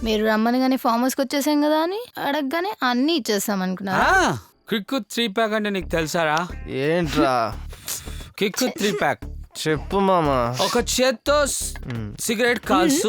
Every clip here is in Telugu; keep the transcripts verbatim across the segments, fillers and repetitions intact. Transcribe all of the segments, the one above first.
మీరు రమ్మనగానే ఫామ్ హౌస్కి వచ్చేసాం కదా అని అడగగానే అన్నీ ఇచ్చేస్తాం అనుకున్నా. కిక్కు త్రీ ప్యాక్ అంటే నీకు తెలుసారా? ఏంట్రా కిక్కు త్రీ ప్యాక్ చెప్పు మామా. ఒక చేత్తో సిగరెట్ కాల్సు,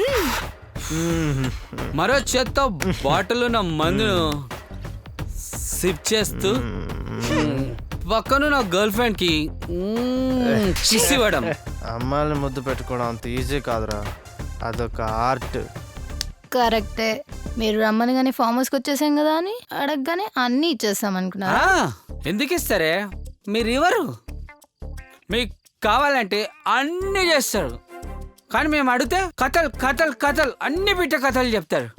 మరో చేత్తో బాటిల్ ఉన్న మందును సిప్ చేస్తూ పక్కన నా గర్ల్ ఫ్రెండ్ కి కిస్ ఇవ్వడం. అమ్మాయిని ముద్దు పెట్టుకోవడం అంత ఈజీ కాదురా, అదొక ఆర్ట్. కరెక్టే. మీరు రమ్మనగానే ఫామ్ హౌస్కి వచ్చేసాం కదా అని అడగగానే అన్నీ ఇచ్చేస్తాం అనుకున్నా. ఎందుకు ఇస్తారే? మీరు ఇవ్వరు. మీకు కావాలంటే అన్నీ చేస్తారు, కానీ మేము అడిగితే కథలు కథలు కథలు అన్ని బిట్ట కథలు చెప్తారు.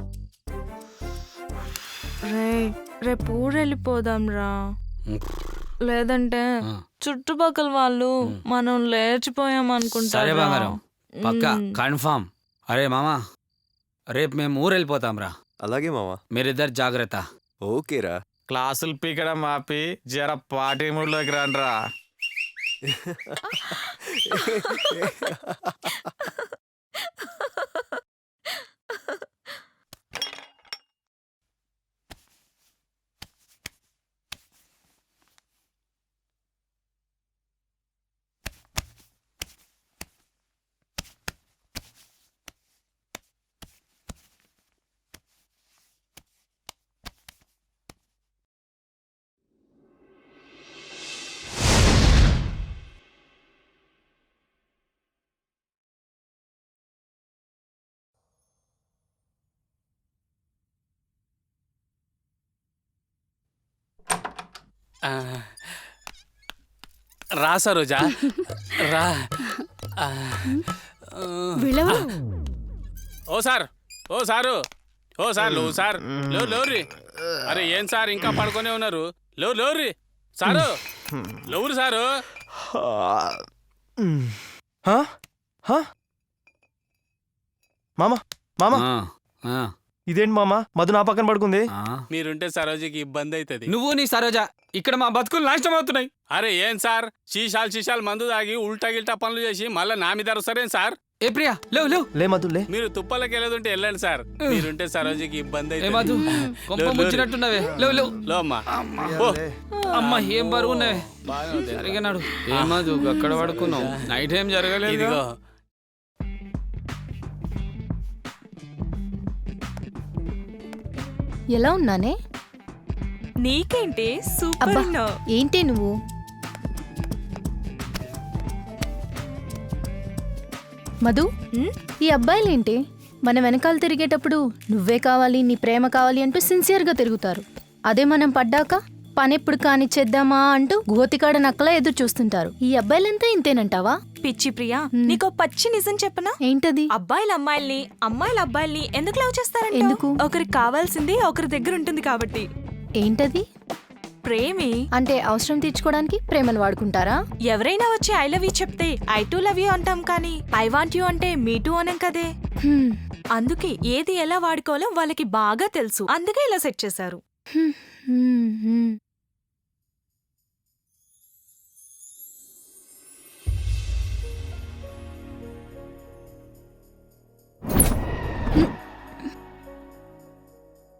రే రేపు ఊరు వెళ్ళిపోదాం రా, లేదంటే చుట్టుపక్కల వాళ్ళు మనం లేచిపోయాం అనుకుంటారు. సరే బంగారం, పక్కా కన్ఫామ్. అరే మామా, రేపు మేము ఊరు వెళ్ళిపోతాం రా. అలాగే మామా, మీరిద్దరు జాగ్రత్త. ఓకేరా. క్లాసులు పీకడం ఆపి జర పార్టీ మూడ్లోకి రండిరా. రా సరోజా రా. ఓ సార్, ఓ సారు, ఓ సార్ లేవు సార్, లేవు లేవురి. అరే ఏం సార్ ఇంకా పడుకునే ఉన్నారు? లేవు లేవురి సారు, లేవురు సారు. మామా మామా, ఇదేంటి మామా మధు నా పక్కన పడుకుంది? మీరుంటే సరోజకి ఇబ్బంది అవుతుంది. నువ్వు నీ సరోజా ఇక్కడ మా బతుకులు నాశనం అవుతున్నాయి. అరే ఏం సార్, శీషాలు శీషాలు మందు తాగి ఉల్టా గిల్టా పనులు చేసి మళ్ళీ నా మీద అరుస్తారేం సార్? ఏ ప్రియా, లేవు లేవు. లే మధు లే. మీరు తుప్పలకి వెళ్ళదుంటే వెళ్ళండి సార్, మీరుంటే సరోజకి ఇబ్బంది ఏ మధు, కొంప ముంచినట్టున్నావే. లేవు లేవు. లో అమ్మా. అమ్మ ఏం బరువు ఉన్నావే. జరిగినాడు. ఏ మధు అక్కడ పడుకున్నావు, నైట్ ఏం జరగలేదు. ఇదిగో ఎలా ఉన్నానే? నీకేంటి సూపర్ అబ్బా, ఉన్నావు. ఏంటి నువ్వు? మధు, ఈ అబ్బాయిలేంటి మన వెనకాల తిరిగేటప్పుడు నువ్వే కావాలి, నీ ప్రేమ కావాలి అంటూ సిన్సియర్గా తిరుగుతారు. అదే మనం పడ్డాక పని ఎప్పుడు కానిచ్చేద్దామా అంటూ గోతికాడ నక్కలా ఎదురు చూస్తుంటారు. ఈ అబ్బాయిలంతా ఇంతేనంటావా? పిచ్చి ప్రియా, నీకో పచ్చి నిజం చెప్పనా? ఏంటది? అబ్బాయిలు అమ్మాయిల్ని, అమ్మాయిలు అబ్బాయిల్ని ఎందుకు లవ్ చేస్తారంటే ఎందుకు? ఒకరికి కావాల్సింది ఒకరి దగ్గర ఉంటుంది కాబట్టి. ఏంటది? ప్రేమే. అంటే అవసరం తీర్చుకోవడానికి ప్రేమను వాడుకుంటారా? ఎవరైనా వచ్చి ఐ లవ్ యూ చెప్తే ఐ టూ లవ్ యూ అంటాం, కానీ ఐ వాంట్ యూ అంటే మీ టూ అనం కదే. హ్మ్. అందుకే ఏది ఎలా వాడుకోవాలో వాళ్ళకి బాగా తెలుసు, అందుకే ఇలా సెట్ చేశారు. హ్మ్, హ్మ్, హ్మ్.